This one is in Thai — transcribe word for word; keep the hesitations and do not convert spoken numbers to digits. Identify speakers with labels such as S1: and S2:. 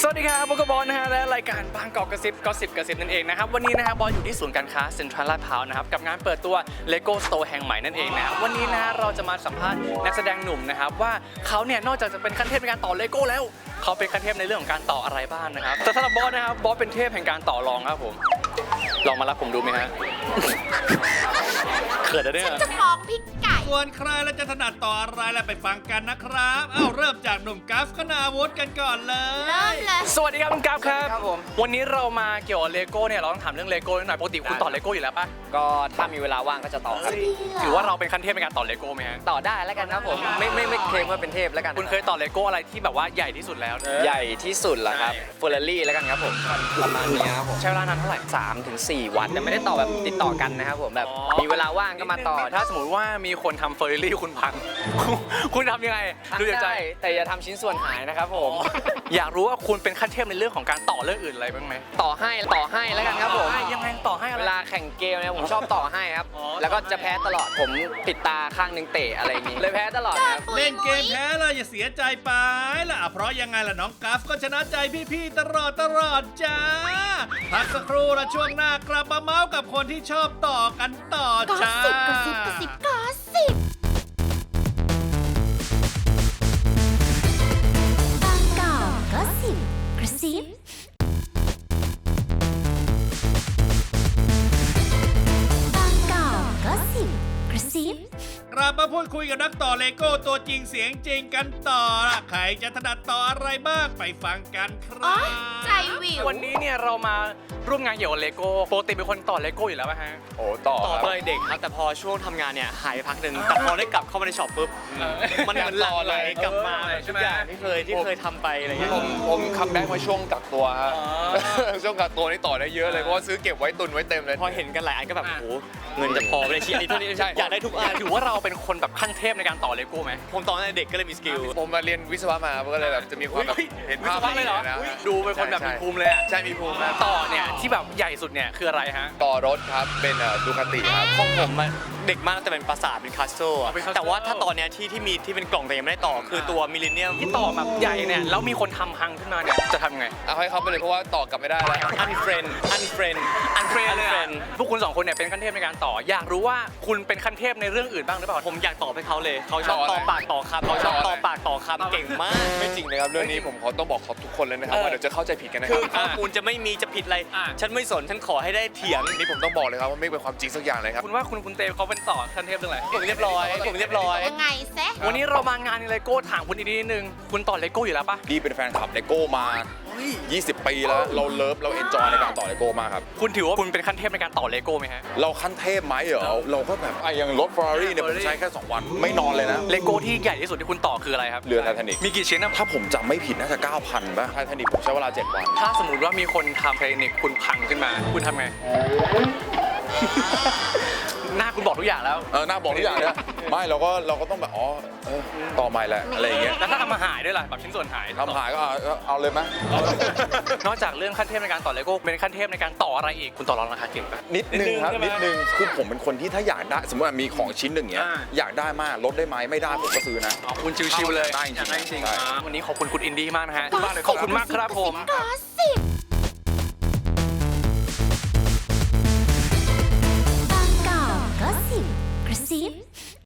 S1: วัสดีครับโบกบอลนะฮะและรายการบางกอกกระซิบก็สิบกระซิบนั่นเองนะครับวันนี้นะครับบอลอยู่ที่ศูนย์การค้าเซ็นทรัลลาดพร้าวนะครับกับงานเปิดตัว Lego Store แห่งใหม่นั่นเองนะครับวันนี้นะเราจะมาสัมภาษณ์นักแสดงหนุ่มนะครับว่าเขาเนี่ยนอกจากจะเป็นขั้นเทพในการต่อเลโก้แล้วเขาเป็นขั้นเทพในเรื่องของการต่ออะไรบ้างนะครับแต่สำหรับบอสนะครับบอสเป็นเทพแห่งการต่อรองครับผมลองมารับผมดูไหมฮะเขินอะเนี่ย
S2: ฉันจะฟ้องพี่ไก่
S3: ส่วนใครแล้วจะถนัดต่ออะไรแล้วไปฟังกันนะครับเอ้าเริ่มจากหนุ่มกัฟคณาวุฒิกันก่อนเลย
S2: เริ่มเลย
S1: สวัสดีครับคุณกัฟครับ
S4: ครับผม
S1: วันนี้เรามาเกี่ยวกับเลโก้เนี่ยเราต้องถามเรื่องเลโก้หน่อยปกติคุณต่อเลโก้อยู่แล้วปะ
S4: ก็ถ้ามีเวลาว่างก็จะต่อครับ
S1: ถือว่าเราเป็นขั้นเทพในการต่อเลโก้ไหมฮะ
S4: ต่อได้แล้วกันครับผมไม่ไม่ไม่เคลมว่าเป็นเทพแล้วกัน
S1: คุณเคยต่อเลโก้อะไรที่แบบว่าใหญ่ที่สุดแล้ว
S4: ใหญ่ที่สุดเหรอครับเฟอร์รารี่แล้วกันครับผมประมาณนี้ครับผม
S1: ใช้เวลานานเท่าไหร่
S4: สามถึงสี่วันแต่ไม่ได้ต่อแบบติดต่อกันนะครับผมแบบ
S1: อ๋อ
S4: มีเวลาว่างก็มาต่อ
S1: ถ้าสมมติว่ามีคนทำเฟอร์รารี่คุณพัง คุณทำยังไงดูจากใจ
S4: ได้แต่อย่าทำชิ้นส่วนหายนะครับผม
S1: อยากรู้ว่าคุณเป็นขั้นเทพในเรื่องของการต่อเรื่องอื่นอะไรบ้างไหม
S4: ต่อให้ต่อให้แล้วกันครับผม
S1: ต่อให้ยังไงต่อให้อะไร
S4: เวลาแข่งเกมเนี่ยผมชอบต่อให้ครับ
S1: อ๋อ
S4: แล้วก็จะแพ้ตลอดผมปิดตาข้างหนึงเตะอะไรอย่างงี้เลยแพ้ตลอดครับ
S3: เล่นเกมแพ้เลยอย่าเสียใจไปล่ะเพราะยังไงล่ะน้องกัฟก็ชนะใจพี่ๆตลอดตลอดจ้าพักสักครู่และช่วงหน้ากลับมาเมาส์กับคนที่ชอบต่อกันต่อก
S2: อ
S3: จ้า
S2: สิบกอสิบกอสิบกอสิบบางกอกก็สิบกระซิบบางกอกก็สิบกระซิบ
S3: กลับมาพูดคุยกับนักต่อเลโก้ตัวจริงเสียงจริงกันต่อล่ะใครจะถนัดต่ออะไรบ้างไปฟังกันค
S2: อ๋
S3: รั
S2: อบ ใจวิว
S1: วันนี้เนี่ยเรามาร่วมงานเกี่ยวกับเลโก้ปกติเป็นคนต่อเลโก้อยู่แล้วป่ะฮะ
S5: โอ้ต่อ
S6: ต่อ
S5: ครับ
S6: ตอนเด็กครับแต่พอช่วงทำงานเนี่ยหายไปพักหนึ่งแต่พอได้กลับเข้ามาในช็อปปุ๊บมันเหมือนหลั่งไหลกลับมา
S1: เออใช่
S6: ทุ
S1: ไหม
S6: กอย่างที่เคยที่เคยทำไปอะไรเงี้ย
S5: ผมผมคัมแบ็กมาช่วงกักตัวฮะ
S1: อ๋อ
S5: ช่วงกักตัวนี่ต่อได้เยอะเลยเพราะว่าซื้อเก็บไว้ตุนไว้เต็มเลย
S6: พอเห็นกันหลายอันก็แบบโอ้โหเงินจะพอไปในชีวิตนี้เท่านี้
S5: ใช่
S6: อยากได้ทุกอัน
S1: ถือว่าเราเป็นคนแบบขั้นเทพในการต่อเลโก้ไหม
S6: ผมตอนนั้นเด็กก็เลยมีสกิล
S5: ผมมาเรียนวิศวะมาก็เลยแบบจะมีความแบบ
S1: เฮ้ย
S5: เห็นภาพ
S1: วิศวะเลยเหรอ
S5: นะ
S1: อุ๊ยดูเป็นคนแบบ
S5: ใช่
S1: มีภูมิเลยอะ
S5: ใช่มีภูมินะ
S1: ต่อเนี่ยที่แบบใหญ่สุดเนี่ยคืออะไรฮะ
S5: ต่อรถครับเป็นดูคาติครับ
S6: ของผมอะเด็กมากแต่เป็นปราสาทเป็นคาสโตรอะ
S1: เป็น castle
S6: แต่ว่าถ้าตอนเนี้ยที่ที่มีที่เป็นกล่องแต่ยังไม่ได้ต่อคือตัวมิลเลนเนียม
S1: ที่ต่อแบบใหญ่เนี่ยแล้วมีคนทำพังขึ้นมาเนี่ยจะทำไง
S5: เอาให้เขาไปเลยเพราะว่าต่อกลับไม่ได้แล้ว
S6: อันเฟรนอันเฟรน
S1: อันเฟรนเลยอะ
S6: unfriend
S1: พวกคุณสองคนเนี่ยเป็นขั้นเทพในการต่อ อยากรู้ว่าคุณเป็นขั้นเทพในเรื่องอื่นบ้างหรือเปล่า
S6: ผมอยากตอบให้เขาเลยเขาชอบ
S5: ต่ออะไร
S6: ต่อปากต่อคำเขาชอบ
S5: ต่ออะไร
S6: ต่อปากต่อคำเก่งมาก
S5: ไม่จริงเลยครับเรื่องนี้ผมขอต้องบอกขอบทุกคนเลยนะครับ
S6: เออ
S5: ว่าเดี๋ยวจะเข้าใจผิดกันนะค
S6: คื
S5: รั
S6: อบ ข้อมูลจะไม่มีจะผิดอะไร
S1: อ่ะ
S6: ฉันไม่สนฉันขอให้ได้เถียง
S5: นี่ผมต้องบอกเลยครับว่าไม่เป็นความจริงสักอย่างเลยครับ
S1: คุณว่าคุณคุณเตเขาเป็นต่อขั้นเทพเรื่องอะไร
S6: ผมเรียบร้อยผมเรียบร้อย
S2: ยังไงเซะ
S1: วันนี้เรามางานเลโก้ถามคุณอีกนิดนึงคุณต่อเลโก้อยู่แล้วปะ
S5: ดีเป็นแฟนคลับเลโก้มา ยี่สิบ ปีแล้วเราเลิฟเราเอนจอยในการต่อเลโก้มากครับ
S1: คุณถือว่าคุณเป็นขั้นเทพในการต่อเลโก้ไหมฮะ
S5: เราขั้นเทพไหมเหรอเราก็แบบไอ้อย่างรถ Ferrari เนี่ยผมใช้แค่สองวันไม่นอนเลยนะ
S1: เลโก้ที่ใหญ่ที่สุดที่คุณต่อคืออะไรครับ
S5: เรือไททานิก
S1: มีกี่ชิ้นนะ
S5: ถ้าผมจำไม่ผิดน่าจะ เก้าพัน ป่ะไททานิกผมใช้เวลา เจ็ด วัน
S1: ถ้าสมมติว่ามีคนทำไททานิกคุณพังขึ้นมา คุณทำไง หน้าคุณบอกทุกอย่างแล้ว
S5: เออหน้าบอกทุกอย่างเนี่ยไม่เราก็เราก็ต้องแบบอ๋อเออต่อใหม่แหละอะไรอย่างเงี้ย
S1: แล้วถ้าทำมาหายด้วยล่ะแบบชิ้นส่วนหาย
S5: ทำหายก็เอาเอาเอาเลยไหม
S1: นอกจากเรื่องขั้นเทพในการต่อเลโก้เป็นขั้นเทพในการต่ออะไรอีกคุณต่อรองราคาเก่งปะ
S5: นิดนึงครับ
S1: นิ
S5: นิ
S1: ด
S5: ด
S1: นึ
S5: นึ
S1: ง
S5: งคือผมเป็นคนที่ถ้าอยากได้สมมติว่ามีของชิ้นหนึ่งเงี้ย
S1: อ่า
S5: อยากได้มากลดได้ไหมไม่ได้ผมก็ซื้อนะ
S1: อ๋อคุณชิวๆเลย
S5: ได้จริงๆ
S1: อยากได้จริง
S5: ใช่
S1: อ่าวันนี้ขอบคุณคุณอินดี้มากนะฮะ
S2: กอสิบ
S1: ขอบคุณมากครับผม
S2: กอสิบบางกอกก็สิบกระซิบ